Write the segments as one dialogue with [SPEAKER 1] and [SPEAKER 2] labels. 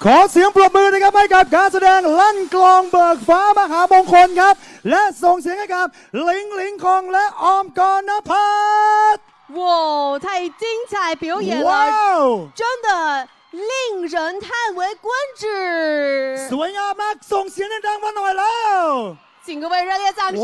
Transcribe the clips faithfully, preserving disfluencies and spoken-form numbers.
[SPEAKER 1] ขอเสียงปรบมือนะครับให้กับการแสดงลั่นกลองเบิกฟ้ามหามงคลครับและส่งเสียงให้กับหลิงหลิงคองและออมกรณพัฒน์
[SPEAKER 2] 哇，太精彩表演了，真的令人叹为观止。
[SPEAKER 1] สวยงามมากส่งเสียงดังๆมาหน่อยแล้ว
[SPEAKER 2] 请各位热烈掌声！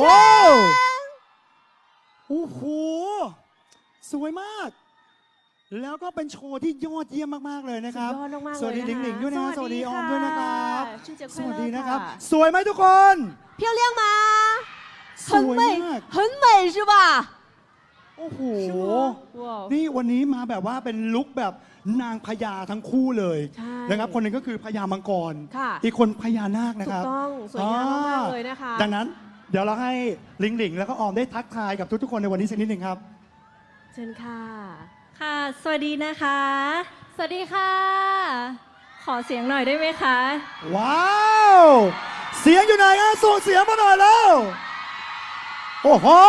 [SPEAKER 1] โอ้โหสวยมากแล้วก็เป็นโชว์ที่ยอดเยี่ยมมากๆเลยนะครับสวัสดีหลิงหลิงด้วยนะสวัสดีออมด้วยนะครับสวัสดีนะครับสวยไหมทุกคน
[SPEAKER 2] 漂亮吗？
[SPEAKER 1] สวยมาก
[SPEAKER 2] 很美是吧？
[SPEAKER 1] โอ้โหนี่วันนี้มาแบบว่าเป็นลุคแบบนางพญาทั้งคู่เลยนะครับคนหนึ่งก็คือพญามังกรอีกคนพญานาคนะครับ
[SPEAKER 2] ถูกต้องสวยงามมากเลยนะคะ
[SPEAKER 1] ดังนั้นเดี๋ยวเราให้หลิงหลิงแล้วก็ออมได้ทักทายกับทุกๆคนในวันนี้สักนิดหนึ่งครับ
[SPEAKER 2] เชิญค่ะ
[SPEAKER 3] ค่ะสวัสดีนะคะ
[SPEAKER 2] สวัสดีค่ะ
[SPEAKER 3] ขอเสียงหน่อยได้ไหมคะ
[SPEAKER 1] ว้าวเสียงอยู่ไหนอ่ะส่งเสียงมาหน่อยแล้วโอ้โห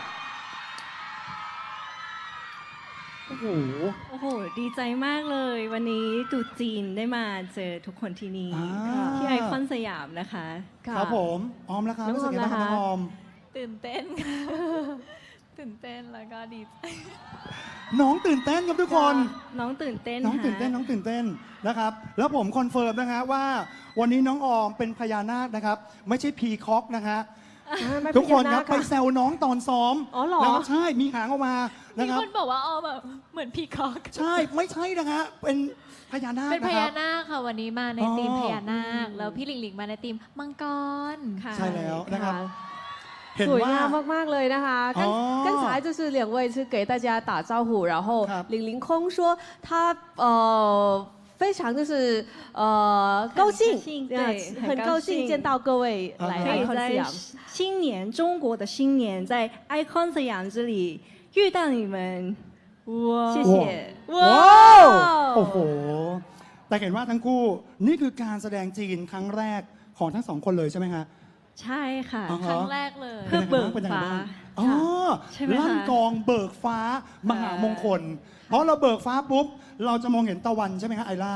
[SPEAKER 1] โอ้โห
[SPEAKER 3] โอ้โหดีใจมากเลยวันนี้ตรุษจีนได้มาเจอทุกคนที่นี่ที่ไอคอนสยามนะคะ
[SPEAKER 1] ครับผมออมแล้วครับรู้สึกยังไงบ้างครับออม
[SPEAKER 4] ตื่นเต้นค่ะตื่นเต้นแล้วก็ดีใจ
[SPEAKER 1] น้องตื่นเต้นครับทุกคน
[SPEAKER 3] น้องตื่นเต้น
[SPEAKER 1] น้องตื่นเต้นน้องตื่นเต้นนะครับแล้วผมคอนเฟิร์มนะฮะว่าวันนี้น้องออมเป็นพญานาคนะครับไม่ใช่พีคอกนะฮะทุกคนครับไปแซวน้องตอนซ้อม
[SPEAKER 2] อ๋อเหรอ
[SPEAKER 1] แล้วใช่มีหางออกมานะครับ
[SPEAKER 4] มีคนบอกว่าออมแบบเหมือนพีคอก
[SPEAKER 1] ใช่ไม่ใช่นะฮะเป็นพญานาค
[SPEAKER 4] เป็นพญานาคค่ะวันนี้มาในธีมพญานาคแล้วพี่หลิงหลิงมาในธีมมังกร
[SPEAKER 1] ใช่แล้วนะครับ
[SPEAKER 2] สวยงามมากๆเลยนะคะ刚刚才就是两位是给大家打招呼然后李凌空说他呃非常就是呃高兴
[SPEAKER 3] 对
[SPEAKER 2] 很高兴见到各位来 Icon สยาม
[SPEAKER 3] 新年中国的新年在 Icon สยาม这里遇到你们哇谢谢
[SPEAKER 1] ว้าวโอ้โหแต่เห็นว่าทั้งคู่นี่คือการแสดงจีนครั้งแรกของทั้งสองคนเลยใช่ไหมคะ
[SPEAKER 3] ใช่ค่ะ
[SPEAKER 4] ครั้งแรกเลย
[SPEAKER 3] เพื่อเบิกฟ้า
[SPEAKER 1] อ๋อลั่นกองเบิกฟ้ามหามงคลเพราะเราเบิกฟ้าปุ๊บเราจะมองเห็นตะวันใช่ไหมคะไอล่า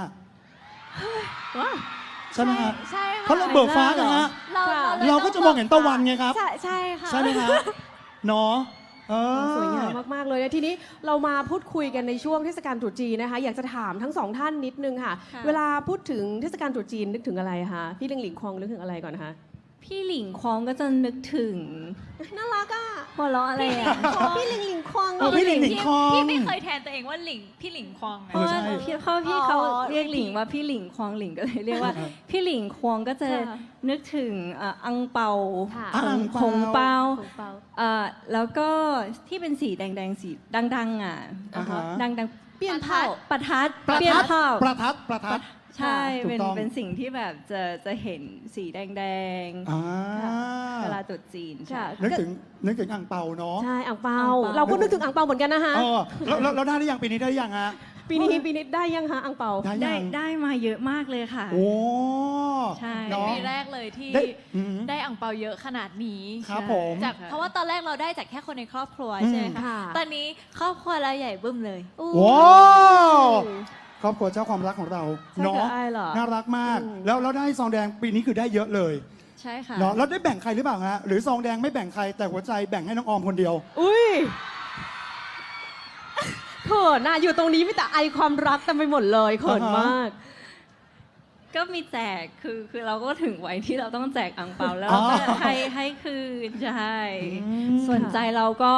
[SPEAKER 1] ใช่ไหมคะ
[SPEAKER 4] ใช่ค่ะ
[SPEAKER 1] เพราะเราเบิกฟ้ากันฮะเราก็จะมองเห็นตะวันไงครับ
[SPEAKER 4] ใช่ค่ะ
[SPEAKER 1] ใช่ไหมคะเนาะ
[SPEAKER 2] สวยงามมากๆเลยนะทีนี้เรามาพูดคุยกันในช่วงเทศกาลตรุษจีนนะคะอยากจะถามทั้งสองท่านนิดนึงค่ะเวลาพูดถึงเทศกาลตรุษจีนนึกถึงอะไรคะพี่หลิงหลิงควงนึกถึงอะไรก่อนนะคะ
[SPEAKER 3] พี่หลิงควงก็จะนึกถึง
[SPEAKER 2] น่ารักอ่ะ
[SPEAKER 3] หัวเราะอะไรอ่ะ
[SPEAKER 2] พี่หลิงหลิงควง
[SPEAKER 1] พี่หลิงหลิงควง
[SPEAKER 4] พี่ไม่เคยแทนตัวเองว่าหลิงพี่หลิงควง
[SPEAKER 3] เพราะว่าพี่เขาพี่เขาเรียกหลิงว่าพี่หลิงควงหลิงก็เลยเรียกว่าพี่หลิงควงก็จะนึกถึงอังเปาคงเปาแล้วก็ที่เป็นสีแดงๆสีดังๆอ่ะดังๆเปี้ยนเผาประทัด
[SPEAKER 1] เปี้ยนเผาประทัดประทัด
[SPEAKER 3] ใช่เป็นเป็นสิ่งที่แบบจะจะเห็นสีแดงๆเวลาตรุษจีนใช่
[SPEAKER 1] นึกถึงนึกถึงอ่างเปาเนาะ
[SPEAKER 2] ใช่อ่างเปาเราก็นึกถึงอ่างเปาเหมือนกันนะคะ
[SPEAKER 1] แล้วแล้วได้หรือยังปีนี้ได้หรือยังฮะ
[SPEAKER 2] ปีนี้ปีนี้ได้ยังคะอ่างเปา
[SPEAKER 3] ได้ได้มาเยอะมากเลยค่ะ
[SPEAKER 1] โอ้
[SPEAKER 3] ใช่
[SPEAKER 4] ปีแรกเลยที่ได้อ่างเปาเยอะขนาดนี้
[SPEAKER 1] ครับผม
[SPEAKER 4] จากเพราะว่าตอนแรกเราได้จากแค่คนในครอบครัวใช่ไหมคะตอนนี้ครอบครัวเราใหญ่บึ้มเลย
[SPEAKER 1] ว้าวครอบครัวเจ้าความรักของเราเนาะน่ารักมากแล้วเราได้ซองแดงปีนี้คือได้เยอะเลย
[SPEAKER 4] ใช่ค่ะ
[SPEAKER 1] เนาะแล้วได้แบ่งใครหรือเปล่าฮะหรือซองแดงไม่แบ่งใครแต่หัวใจแบ่งให้น้องออมคนเดียว
[SPEAKER 2] อุ้ยเขินน่ะอยู่ตรงนี้มีแต่ไอความรักเต็มไปหมดเลยเขินมาก
[SPEAKER 3] ก็มีแจกคือคือเราก็ถึงวัยที่เราต้องแจกอ่างเปาแล้วเราก็ให้ให้คืนใช่ส่วนใจเราก็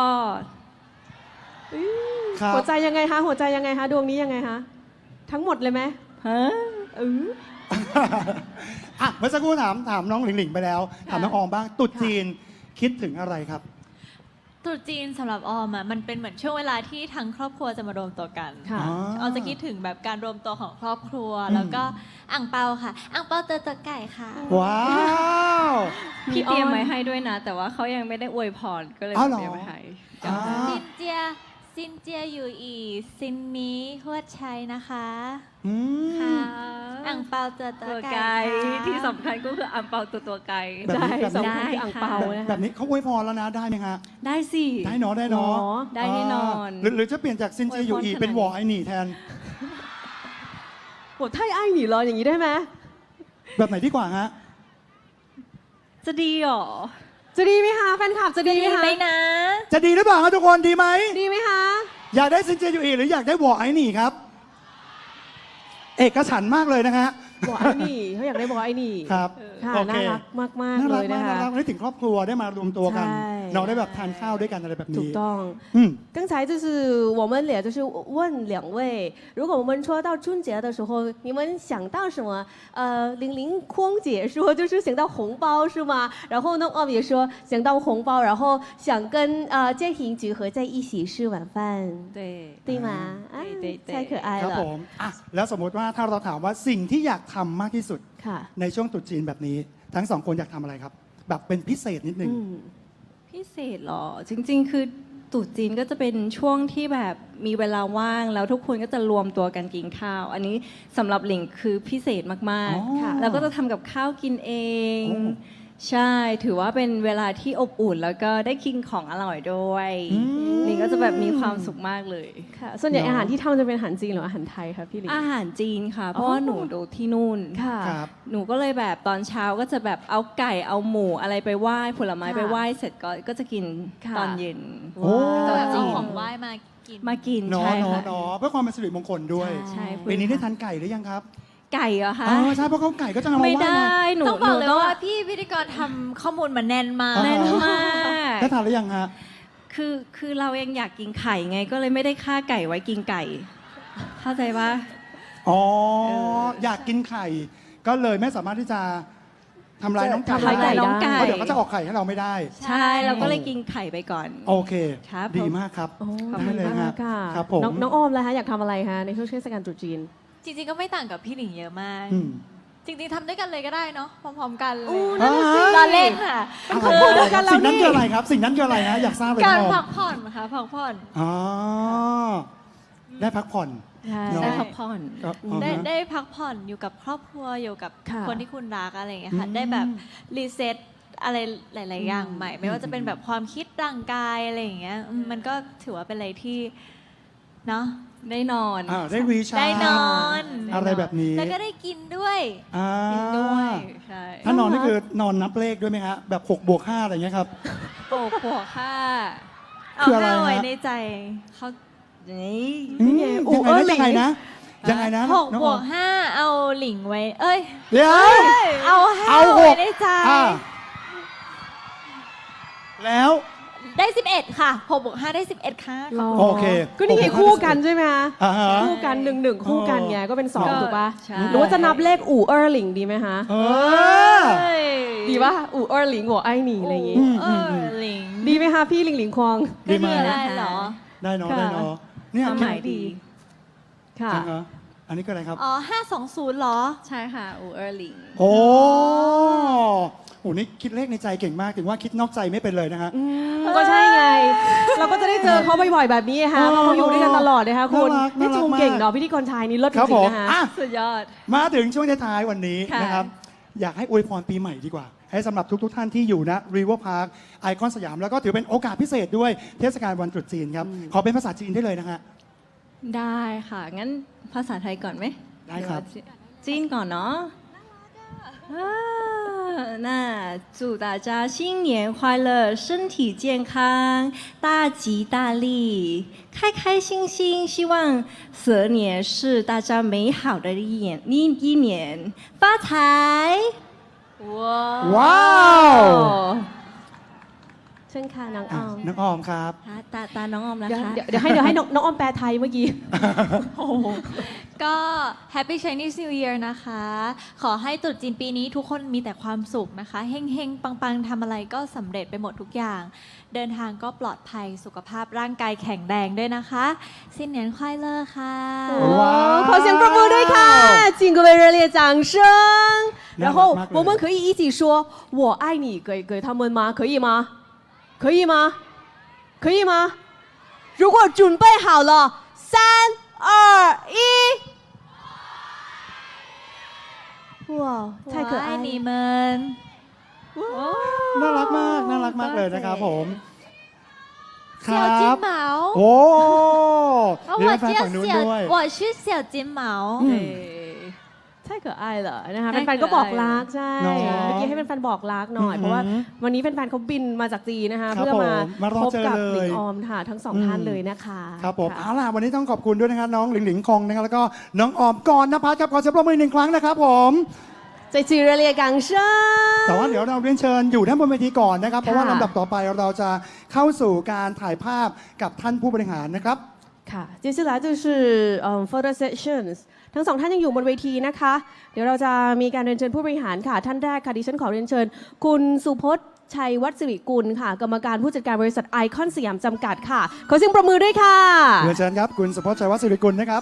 [SPEAKER 2] หัวใจยังไงคะหัวใจยังไงคะดวงนี้ยังไงคะทั้งหมดเลยไหมฮะเออ
[SPEAKER 1] อ่ะเมื่อสักครู่ถามถามน้องหลิงหลิงไปแล้วถามน้องออมบ้างตุ๊ดจีนคิดถึงอะไรครับ
[SPEAKER 4] ตรุษจีนสำหรับออมอ่ะมันเป็นเหมือนช่วงเวลาที่ทั้งครอบครัวจะมารวมตัวกันออมจะคิดถึงแบบการรวมตัวของครอบครัวแล้วก็อ่างเปาค่ะอ่างเปาเตอตัวไก่ค่ะ
[SPEAKER 1] ว้าว
[SPEAKER 3] พี่เตรียมไว้ให้ด้วยนะแต่ว่าเขายังไม่ได้อวยพรก็เลยเตรียมไว้ให้
[SPEAKER 4] ซินเจียซินเจียอยู่อีซินนี้ฮวดชัยนะคะค่ะอ่างเปาตัวตัวไก่
[SPEAKER 3] ที่สำคัญก็คืออ่างเปาตัวตัวไก่
[SPEAKER 1] ใช่
[SPEAKER 2] สำคัญคืออ่างเปา
[SPEAKER 1] แบบนี้เขาอวยพรแล้วนะได้ไหมฮะ
[SPEAKER 3] ได้สิ
[SPEAKER 1] ได้เนาะได้เนาะ
[SPEAKER 3] ได้แน่นอน
[SPEAKER 1] หรือจะเปลี่ยนจากซินเจียอยู่อีเป็นวอไอหนีแทน
[SPEAKER 2] 我太爱你了อย่างนี้ได้ไหม
[SPEAKER 1] แบบไหนดีกว่าฮะ
[SPEAKER 3] จะดีเหรอ
[SPEAKER 2] จะดีไหมคะแฟนคลับจะดี
[SPEAKER 4] ดี
[SPEAKER 2] ไหมคะ
[SPEAKER 4] ไหมนะ
[SPEAKER 1] จะดีหรือเปล่าครับทุกคนดีไหม
[SPEAKER 2] ดีไหมคะ
[SPEAKER 1] อยากได้ซินเจียอยู่อีหรืออยากได้วอไอหนี่ครับ เอกฉันท์มากเลยนะฮะ
[SPEAKER 2] บอกไอ้นี่เขาอยากได้บอกไอ้นี่
[SPEAKER 1] ครับ
[SPEAKER 2] ค่ะ
[SPEAKER 1] โอเค
[SPEAKER 2] น่ารักมากๆ
[SPEAKER 1] น่า
[SPEAKER 2] เล
[SPEAKER 1] รัก
[SPEAKER 2] ย
[SPEAKER 1] มา
[SPEAKER 2] นะ
[SPEAKER 1] กน่า
[SPEAKER 2] คะ
[SPEAKER 1] รักนึกถึงครอบครัวได้มารวมตัวกัน
[SPEAKER 2] ใช่
[SPEAKER 1] เราได้แบบทานข้าวด้วยกันอะไรแบบ
[SPEAKER 2] ถู
[SPEAKER 1] นี้
[SPEAKER 2] กต้อง
[SPEAKER 1] อืม
[SPEAKER 2] 刚才就是我们也就是问两位，如果我们说到春节的时候，你们想到什么？呃，玲玲匡姐说就是想到红包是吗？然后呢，奥也说想到红包，然后想跟呃家庭聚合在一起吃晚饭，
[SPEAKER 3] 对
[SPEAKER 2] 对吗？啊
[SPEAKER 3] 对对对
[SPEAKER 2] 太可爱
[SPEAKER 1] ครับผ
[SPEAKER 2] 了。
[SPEAKER 1] มอ่ะแล้วสมมติว่าถ้าเราถามว่าสิ่งที่อยากทำมากที่สุด
[SPEAKER 2] ค่ะ
[SPEAKER 1] ในช่วงตรุษจีนแบบนี้ ทั้งสองคนอยากทำอะไรครับ แบบเป็นพิเศษนิดนึง
[SPEAKER 2] อืม
[SPEAKER 3] พิเศษเหรอ จริง ๆ คือตรุษจีนก็จะเป็นช่วงที่แบบมีเวลาว่างแล้วทุกคนก็จะรวมตัวกันกินข้าว อันนี้สำหรับหลิงคือพิเศษมาก
[SPEAKER 1] อ๋อ
[SPEAKER 3] ๆค่ะแล้วก็จะทำกับข้าวกินเอง
[SPEAKER 1] โอ้
[SPEAKER 3] ใช่ถือว่าเป็นเวลาที่อบอุ่น แล้วก็ได้กินของอร่อยด้วย
[SPEAKER 1] อืม
[SPEAKER 3] หลิงก็จะแบบมีความสุขมากเลย
[SPEAKER 2] ค่ะส่วนใหญ่
[SPEAKER 1] เนอะ
[SPEAKER 2] อาหารที่ทำจะเป็นอาหารจีนหรืออาหารไทยคะพี่หลิง
[SPEAKER 3] อาหารจีนค่ะ เพราะว่าหนูดูที่นู่น
[SPEAKER 2] ค่ะ
[SPEAKER 1] ครับ
[SPEAKER 3] หนูก็เลยแบบตอนเช้าก็จะแบบเอาไก่เอาหมูอะไรไปไหว้ผลไม้
[SPEAKER 2] ค่ะ
[SPEAKER 3] ไปไหว้เสร็จก็ก็จะกิน
[SPEAKER 2] ค่ะ
[SPEAKER 3] ตอนเย็น
[SPEAKER 1] โอ้
[SPEAKER 4] ก็แบบ
[SPEAKER 3] จี
[SPEAKER 4] เอา
[SPEAKER 3] น
[SPEAKER 4] ของไหว้มากิน
[SPEAKER 3] มากิน
[SPEAKER 1] เนาะ
[SPEAKER 3] ใช่
[SPEAKER 1] เนาะ
[SPEAKER 3] ค่ะ
[SPEAKER 1] เนาะเพื่อความเป็นสิริมงคลด้วย
[SPEAKER 3] ใช่
[SPEAKER 1] ปีนี้ได้ทานไก่หรือยังครับ
[SPEAKER 3] ไก่เหรอคะ
[SPEAKER 1] อ๋อใช่เพราะเขาไก่ก็จะเอามา
[SPEAKER 3] ไม่
[SPEAKER 1] ไหว้
[SPEAKER 3] ได้
[SPEAKER 1] ไง
[SPEAKER 3] หนู
[SPEAKER 4] ต้องบอก
[SPEAKER 3] ห
[SPEAKER 4] เลย
[SPEAKER 3] นู
[SPEAKER 4] ว่าพี่พิธีกรทำข้อมูลมาแน่นมาก
[SPEAKER 1] อ๋อ
[SPEAKER 3] แน่นมาก
[SPEAKER 1] ได้ทานหรือยังฮะ
[SPEAKER 3] คือคือเรายังอยากกินไข่ไงก็เลยไม่ได้ฆ่าไก่ไว้กินไก่ เข้าใจปะ
[SPEAKER 1] อ๋อ
[SPEAKER 3] เออ
[SPEAKER 1] อยากกินไข่ ก็เลยไม่สามารถที่จะทำลายน้องไก่
[SPEAKER 2] ทำลายไก่
[SPEAKER 3] น้องไก่
[SPEAKER 1] เพราะเดี๋ยวเขาจะออกไข่ให้เราไม่ได้
[SPEAKER 3] ใช่เราก็เลยกินไข่ไปก่อน
[SPEAKER 1] โอเค
[SPEAKER 3] ครับ
[SPEAKER 1] ดี
[SPEAKER 3] ผม
[SPEAKER 1] มากครับ
[SPEAKER 2] โอ้
[SPEAKER 1] ได้เลย
[SPEAKER 2] ขอบ
[SPEAKER 1] ฮะ
[SPEAKER 2] ณค่ะ
[SPEAKER 1] ครับผม
[SPEAKER 2] น้องน้องออมแล้วคะอยากทำอะไรคะในช่วงเทศกาลตรุษจีน
[SPEAKER 4] จริงๆก็ไม่ต่างกับพี่หลิงเยอะมาก
[SPEAKER 1] อืม
[SPEAKER 4] จริงๆทำด้วยกันเลยก็ได้เนาะพร้อมๆกันเลย
[SPEAKER 2] อู้นั่นน่ะสิ
[SPEAKER 4] รอเล่นค่ะ
[SPEAKER 1] อะไร
[SPEAKER 2] พูดด้วยกันแล้ว
[SPEAKER 1] สิ่งนั้น
[SPEAKER 2] นี่
[SPEAKER 1] คืออะไรครับ สิ่งนั้นคืออะไรฮะอยากทราบเลย
[SPEAKER 4] การ
[SPEAKER 1] ครับ
[SPEAKER 4] พักผ่อนค่ะพักผ่อน
[SPEAKER 1] อ๋อได้พักผ่อน
[SPEAKER 2] ใช่
[SPEAKER 1] เนอะ
[SPEAKER 3] ได้พักผ่อน
[SPEAKER 1] ก็อ๋อ
[SPEAKER 4] ได้
[SPEAKER 1] ฮะ
[SPEAKER 4] ได้พักผ่อนอยู่กับครอบครัวอยู่กับ
[SPEAKER 2] ค่ะ
[SPEAKER 4] คนที่คุณรักอะไรอย่างเงี้ยค่ะ
[SPEAKER 1] อืม
[SPEAKER 4] ได้แบบรีเซ็ตอะไรหลาย ๆ อย่าง
[SPEAKER 2] อืม
[SPEAKER 4] ใหม่ ไม่ว่าจะเป็นแบบความคิดร่างกายอะไรอย่างเงี้ยอืมมันก็ถือว่าเป็นอะไรที่เนาะ
[SPEAKER 3] ได้นอน
[SPEAKER 1] อ่าได้รีชาร์จ
[SPEAKER 4] ได้นอน
[SPEAKER 1] อะไรแบบนี้
[SPEAKER 4] แล้วก็ได้กินด้วย
[SPEAKER 1] อ่า
[SPEAKER 3] กินด้วยใช่
[SPEAKER 1] ถ้านอนนี่คือนอนนับเลขด้วยไหมฮะแบบหกบวกห้าอะไรเงี้ยครับ
[SPEAKER 3] โอ้โหค่ะ
[SPEAKER 4] เอา
[SPEAKER 1] คืออะไร
[SPEAKER 4] ห้าไว้
[SPEAKER 1] ฮะ
[SPEAKER 4] ในใจ
[SPEAKER 3] เขานี่
[SPEAKER 1] อืม
[SPEAKER 2] นี่ไง
[SPEAKER 1] ยัง
[SPEAKER 2] อู่
[SPEAKER 1] ไง
[SPEAKER 2] เอ้
[SPEAKER 1] นะ
[SPEAKER 2] ย
[SPEAKER 1] ยังไงนะยังไงนะ
[SPEAKER 4] หก
[SPEAKER 1] น้อง
[SPEAKER 4] บ
[SPEAKER 1] อ
[SPEAKER 4] ว
[SPEAKER 1] อก ม
[SPEAKER 4] ห้าเอาหลิงไว้ เอ้ย
[SPEAKER 1] เดี๋ยว
[SPEAKER 4] เอาห้า
[SPEAKER 1] เอาห
[SPEAKER 4] ไว้
[SPEAKER 1] ก
[SPEAKER 4] ในใจ
[SPEAKER 1] อ่าแล้ว
[SPEAKER 4] ได้สิบเอ็ดค่ะหกบวกห้าได้สิบเอ็ดค่ะ
[SPEAKER 2] หรอ
[SPEAKER 1] โอเค
[SPEAKER 2] ก็นี่ไงคู่กันใช่ไหมคะ
[SPEAKER 1] อ่าฮะ
[SPEAKER 2] คู่กันหนึ่งหนึ่งคู่กันไงก็เป็นสอง
[SPEAKER 3] ก็
[SPEAKER 2] ถูกปะ
[SPEAKER 3] ใช่
[SPEAKER 2] หรือว่าจะนับเลขอู่เออร์หลิงดีไหมคะ
[SPEAKER 1] เออ
[SPEAKER 4] เอ้ย
[SPEAKER 2] ดีปะอู่เออร์หลิงหัวไอ้หนีอะไรอย่างงี้
[SPEAKER 1] อืม
[SPEAKER 4] เออหลิง
[SPEAKER 2] ดีไหมคะพี่หลิงหลิงควง
[SPEAKER 1] ดีไหม
[SPEAKER 4] ก็ได้เหรอ
[SPEAKER 1] ได้เนาะ
[SPEAKER 2] ค่ะ
[SPEAKER 1] ได้เนาะเนี่ย
[SPEAKER 3] ความหมายดี
[SPEAKER 2] ค่ะ
[SPEAKER 1] อ่าฮะอันนี้ก็อะไรครับ
[SPEAKER 4] อ๋อห้าสองศูนย์เหรอ
[SPEAKER 3] ใช่ค่ะอูเออร์หลิง
[SPEAKER 1] โอ้โหนี่คิดเลขในใจเก่งมากถึงว่าคิดนอกใจไม่เป็นเลยนะฮะ
[SPEAKER 2] อืมก็ใช่ไง เราก็จะได้เจอเขาบ่อยๆแบบนี้ฮะเพราะเขาอยู่ด้วยกันตลอดนะคะคุณ
[SPEAKER 1] น่ารัก
[SPEAKER 2] นี่
[SPEAKER 1] น่ารัก
[SPEAKER 2] จูง
[SPEAKER 1] มาก
[SPEAKER 2] เก่งเนาะพิธีกรชายนี่เลิศจ
[SPEAKER 1] ครับ
[SPEAKER 2] ริ
[SPEAKER 1] ผ
[SPEAKER 2] ง
[SPEAKER 1] ม
[SPEAKER 2] ๆนะคะ
[SPEAKER 1] อ่ะ
[SPEAKER 3] สุดยอด
[SPEAKER 1] มาถึงช่วงท้ายๆวันนี้
[SPEAKER 3] ค่ะ
[SPEAKER 1] นะครับ อยากให้อวยพรปีใหม่ดีกว่า ให้สำหรับทุกๆท่านที่อยู่นะ River Park ไอคอนสยาม แล้วก็ถือเป็นโอกาสพิเศษด้วยเทศกาลวันตรุษจีนครับ ขอเป็นภาษาจีนได้เลยนะฮะ
[SPEAKER 3] ได้ค่ะ งั้นภาษาไทยก่อนไหม
[SPEAKER 1] ได้ครับ
[SPEAKER 3] หอว่าจีนก่อนเนาะอ่า那祝大家新年快乐，身体健康，大吉大利，开开心心。希望蛇年是大家美好的一年，一一年发财。
[SPEAKER 4] ว้าว
[SPEAKER 1] ว้าว
[SPEAKER 2] เช่นค่ะน้องอ
[SPEAKER 1] อ่ะ
[SPEAKER 2] อม
[SPEAKER 1] น้องออมครับ
[SPEAKER 3] ตาตาตาน้องออมแล้ว
[SPEAKER 2] เดี๋ยว
[SPEAKER 3] คะ
[SPEAKER 2] เดี๋ยวเดี๋ยวให้เดี๋ยวให้น้องน้องออมแปลไทยเมื่อกี้
[SPEAKER 4] ก็ Happy Chinese New Year นะคะ ขอให้ตรุษจีนปีนี้ทุกคนมีแต่ความสุขนะคะเฮงๆ ปังๆทำอะไรก็สำเร็จไปหมดทุกอย่าง เดินทางก็ปลอดภัยสุขภาพร่างกายแข็งแรงด้วยนะคะสิ้นเหนียนควายเลอร์ค่ะ
[SPEAKER 1] ว้าว
[SPEAKER 2] ขอเสียงปรบมือด้วยค่ะ请各位热烈掌声然后
[SPEAKER 1] น่ารักมากเลย
[SPEAKER 2] 我们可以一起说我爱你给给他们吗可以吗可以吗可以吗如果准备好了三二一哇太可爱了
[SPEAKER 4] 我爱你们
[SPEAKER 1] น่ารักมาก น่ารักมากเลยนะครับผม ค
[SPEAKER 4] 小
[SPEAKER 1] รั
[SPEAKER 4] 金
[SPEAKER 1] บ
[SPEAKER 4] 毛
[SPEAKER 1] โอ้
[SPEAKER 4] 哦
[SPEAKER 1] เดี๋ยว
[SPEAKER 4] 我
[SPEAKER 1] แฟน
[SPEAKER 4] 叫
[SPEAKER 1] ฝั่งนู้น
[SPEAKER 4] 小
[SPEAKER 1] ด้วย
[SPEAKER 4] 我是小金毛
[SPEAKER 1] อืม
[SPEAKER 3] 对
[SPEAKER 2] 可爱了นะคะ
[SPEAKER 3] 太
[SPEAKER 2] แฟนๆก็บอกรัก
[SPEAKER 3] 可爱了
[SPEAKER 2] ใช่
[SPEAKER 1] เนอะ
[SPEAKER 2] เมื่อกี้ให้แฟนๆบอกรักหน่อย เพราะว่า
[SPEAKER 1] อือหือ
[SPEAKER 2] วันนี้แฟนๆเขาบินมาจากจีนนะคะ
[SPEAKER 1] ครับ
[SPEAKER 2] เพื่อมา
[SPEAKER 1] ผมมารอ
[SPEAKER 2] พบ
[SPEAKER 1] เจอ
[SPEAKER 2] กับ
[SPEAKER 1] เลย
[SPEAKER 2] หลิงออมค่ะทั้งสอง
[SPEAKER 1] อืม
[SPEAKER 2] ท่านเลยนะคะ
[SPEAKER 1] ครับผม
[SPEAKER 2] ค่ะ
[SPEAKER 1] เอาล่ะวันนี้ต้องขอบคุณด้วยนะครับน้องหลิงหลิงคองนะครับแล้วก็น้องออมกรณพัฒน์ครับขอเสียงปรบมือหนึ่งครั้งนะครับผม
[SPEAKER 2] ใจจีเรเลียกังเชิญ
[SPEAKER 1] แต่ว่าเดี๋ยวเราเรียนเชิญอยู่ท่านบนเวทีก่อนนะครับ เพราะว่า
[SPEAKER 2] ค่ะ
[SPEAKER 1] ลำดับต่อไปเราจะเข้าสู่การถ่ายภาพกับท่านผู้บริหารนะครับ
[SPEAKER 2] ค่ะ接下来就是嗯 photo sessions ทั้งสองท่านยังอยู่บนเวทีนะคะ เดี๋ยวเราจะมีการเรียนเชิญผู้บริหารค่ะ ท่านแรกค่ะดิฉันขอเรียนเชิญ คุณสุพจน์ชัยวัฒน์สิริกุลค่ะ กรรมการผู้จัดการบริษัทไอคอนสยามจำกัดค่ะ ขอเสียงปรบมือด้วยค่ะ
[SPEAKER 1] เรียนเชิญครับคุณสุพจน์ชัยวัฒน์สิริกุลนะครับ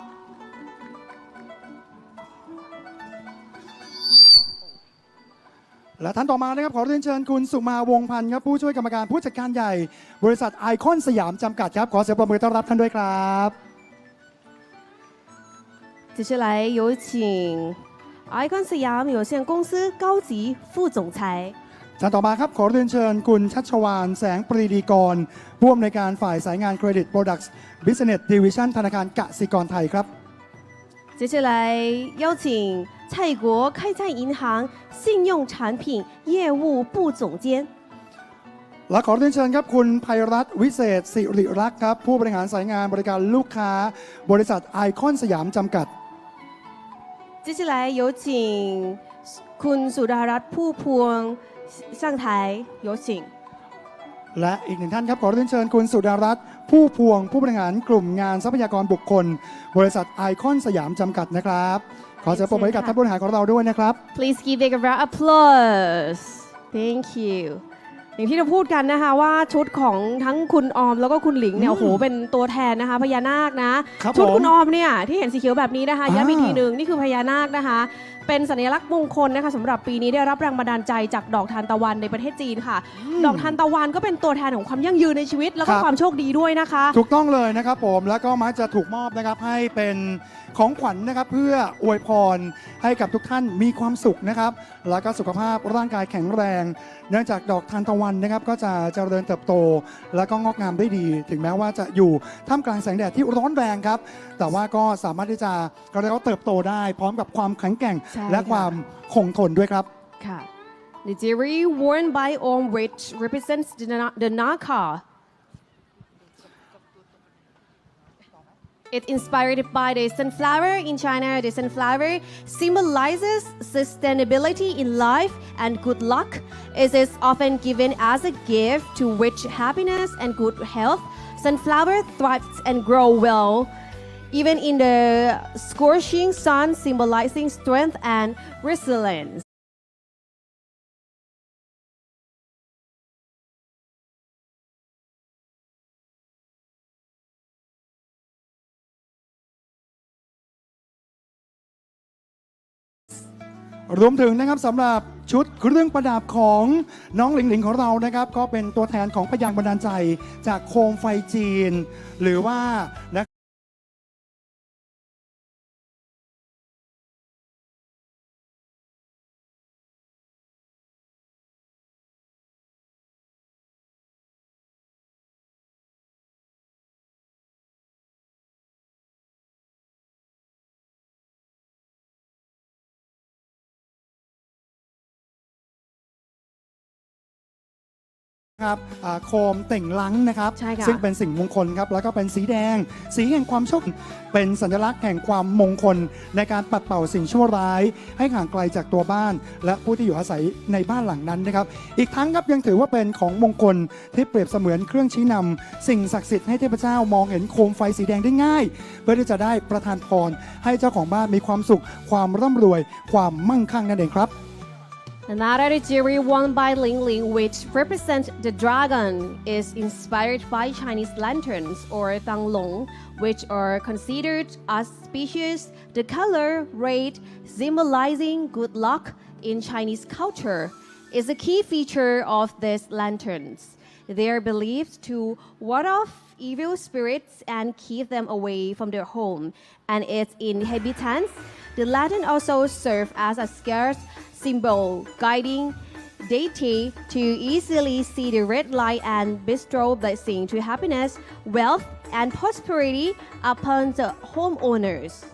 [SPEAKER 1] และท่านต่อมานะครับขอเรียนเชิญคุณสุมาวงศ์พันธ์ครับผู้ช่วยกรรมการผู้จัดการใหญ่ บริษัทไอคอนสยามจำกัดครับขอเสียงปรบมือต้อนรับท่านด้วยครับ
[SPEAKER 2] 接下来有请 Icon สยาม有限公司高级副总裁
[SPEAKER 1] ท่านต่อมาครับขอเรียนเชิญคุณชัชวานแสงปรีดีกรผู้อำนวยการฝ่ายสายงานเครดิต Products Business Division ธนาคารกสิกรไทยครับ
[SPEAKER 2] 接下来邀请蔡国开泰银行信用产品业务部总监
[SPEAKER 1] และขอเรียนเชิญครับคุณภัยรัตน์วิเศษสิริรักษ์ครับผู้บริหารสายงานบริการลูกค้า บริษัทไอคอนสยามจำกัด
[SPEAKER 2] 接下来有请คุณสุดารัตน์ผู้พวง上台有请
[SPEAKER 1] และอีกหนึ่งท่านครับขอเรียนเชิญคุณสุดารัตน์ผู้พวงผู้บริหารกลุ่มงานทรัพยากรบุคคล บริษัทไอคอนสยามจำกัดนะครับขอเสียงปรบมือให้กับท่านผู้บริหารของเราด้วยนะครับ
[SPEAKER 2] Please give big round of applause Thank you อย่างที่เราพูดกันนะคะว่าชุดของทั้งคุณออมแล้วก็คุณหลิงเนี่ยโอ้โหเป็นตัวแทนนะคะพญานาคนะครับ ชุด
[SPEAKER 1] ผม
[SPEAKER 2] คุณออมเนี่ยที่เห็นสีเขียวแบบนี้นะคะ
[SPEAKER 1] อ่า
[SPEAKER 2] ย้ำอีกทีหนึ่งนี่คือพญานาคนะคะ เป็นสัญลักษณ์มงคลนะคะสำหรับปีนี้ได้รับแรงบันดาลใจจากดอกทานตะวันในประเทศจีนค่ะ ดอกทานตะวันก็เป็นตัวแทนของความยั่งยืนในชีวิต แล้วก็ความโชคดีด้วยนะคะ
[SPEAKER 1] ถูกต้องเลยนะครับผมแล้วก็มักจะถูกมอบนะครับให้เป็นของขวัญนะครับเพื่ออวยพรให้กับทุกท่านมีความสุขนะครับแล้วก็สุขภาพร่างกายแข็งแรง เนื่องจากดอกทานตะวันนะครับก็จะเจริญเติบโต แล้วก็งอกงามได้ดี ถึงแม้ว่าจะอยู่ท่ามกลางแสงแดดที่ร้อนแรงครับแต่ว่าก็สามารถที่จะก็เรียกว่าเติบโตได้พร้อมกับความแข็งแกร่ง
[SPEAKER 2] ใช่
[SPEAKER 1] และ
[SPEAKER 2] ค่ะ
[SPEAKER 1] ความคงทนด้วยครับ
[SPEAKER 2] ค่ะ The jewelry worn by Om which represents the, Na- the Naka It's inspired by the sunflower in China. The sunflower symbolizes sustainability in life and good luck. It is often given as a gift to reach happiness and good health. Sunflower thrives and grow well, even in the scorching sun, symbolizing strength and resilience.
[SPEAKER 1] รวมถึงนะครับสำหรับชุดเครื่องประดับของน้องหลิงหลิงของเรานะครับก็เป็นตัวแทนของพยางค์บันดาลใจจากโคมไฟจีน หรือว่านะครับอ่าโคมเต่งลังนะครับ
[SPEAKER 2] ใช่ค่ะ
[SPEAKER 1] ซึ่งเป็นสิ่งมงคลครับแล้วก็เป็นสีแดง สีแห่งความโชคเป็นสัญลักษณ์แห่งความมงคลในการปัดเป่าสิ่งชั่วร้าย ให้ห่างไกลจากตัวบ้าน และผู้ที่อยู่อาศัยในบ้านหลังนั้นนะครับอีกทั้งครับยังถือว่าเป็นของมงคลที่เปรียบเสมือนเครื่องชี้นำสิ่งศักดิ์สิทธิ์ให้เทพเจ้ามองเห็นโคมไฟสีแดงได้ง่าย เพื่อที่จะได้ประทานพรให้เจ้าของบ้านมีความสุข ความร่ำรวย ความมั่งคั่งนั่นเองครับ
[SPEAKER 2] Another jewelry worn by Ling Ling, which represents the dragon, is inspired by Chinese lanterns or Danglong, which are considered auspicious. The color red, symbolizing good luck in Chinese culture, is a key feature of these lanterns. They are believed to ward off evil spirits and keep them away from their home and its inhabitants. The lantern also serves as a scarce symbol guiding deity to easily see the red light and bestow blessing to happiness, wealth, and prosperity upon the homeowners.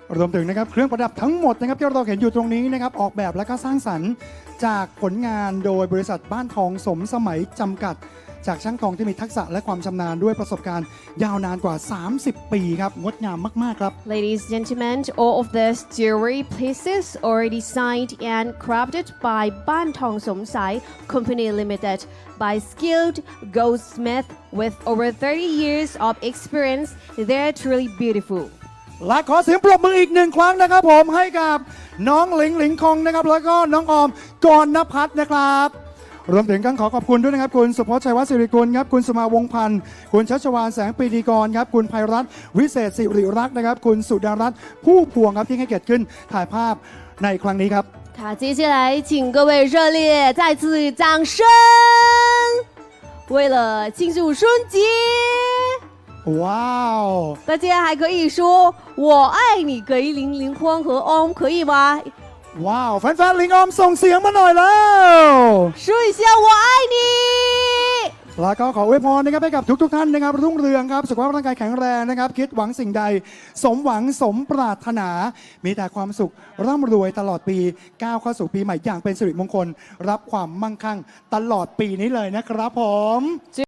[SPEAKER 1] รวมถึงนะครับเครื่องประดับทั้งหมดนะครับที่เราเห็นอยู่ตรงนี้นะครับออกแบบและก็สร้างสรรค์จากผลงานโดยบริษัทบ้านทองสมสมัยจำกัดจากช่างทองที่มีทักษะและความชำนาญด้วยประสบการณ์ยาวนานกว่า สามสิบ ปีครับงดงามมากๆครับ
[SPEAKER 2] Ladies and gentlemen, all of these jewelry pieces are designed and crafted by Ban Tong Som Sai Company Limited by skilled goldsmiths with over thirty years of experience. They're truly beautiful.
[SPEAKER 1] และขอเสียงปรบมืออีกหนึ่งครั้งนะครับผมให้กับน้องหลิงหลิงคงนะครับแล้วก็น้องออมกรณพัฒน์นะครับรวมถึงกันขอขอบคุณด้วยนะครับคุณสุพจน์ชัยวัฒน์สิริกุลครับคุณสมาวงศ์พันธ์คุณชัชวาลแสงปรีดีกรครับคุณภัยรัตน์วิเศษสิริรักษ์นะครับคุณสุดารัตน์ผู้พวงครับที่ให้เกียรติขึ้นถ่ายภาพในครั้งนี้ครับ
[SPEAKER 2] 好，接下来请各位热烈再次掌声！为了庆祝春节，
[SPEAKER 1] ว้าว
[SPEAKER 2] 大家还可以说“我爱你”给林林欢和 Om， 可以吗？
[SPEAKER 1] ว้าวแฟนๆลิงออมส่งเสียงมาหน่อยแล้ว
[SPEAKER 2] 说一下“我爱你”。
[SPEAKER 1] แล้วก็ขออวยพรนะครับให้กับทุกๆทท่านนะครับรุ่งเรืองครับสุขภาพร่างกายแข็งแรงนะครับคิดหวังสิ่งใดสมหวังสมปรารถนา มีแต่ความสุขร่ำรวยตลอดปีก้าวเข้าสู่ปีใหม่อย่างเป็นสิริมงคลรับความมั่งคั่งตลอดปีนี้เลยนะครับผม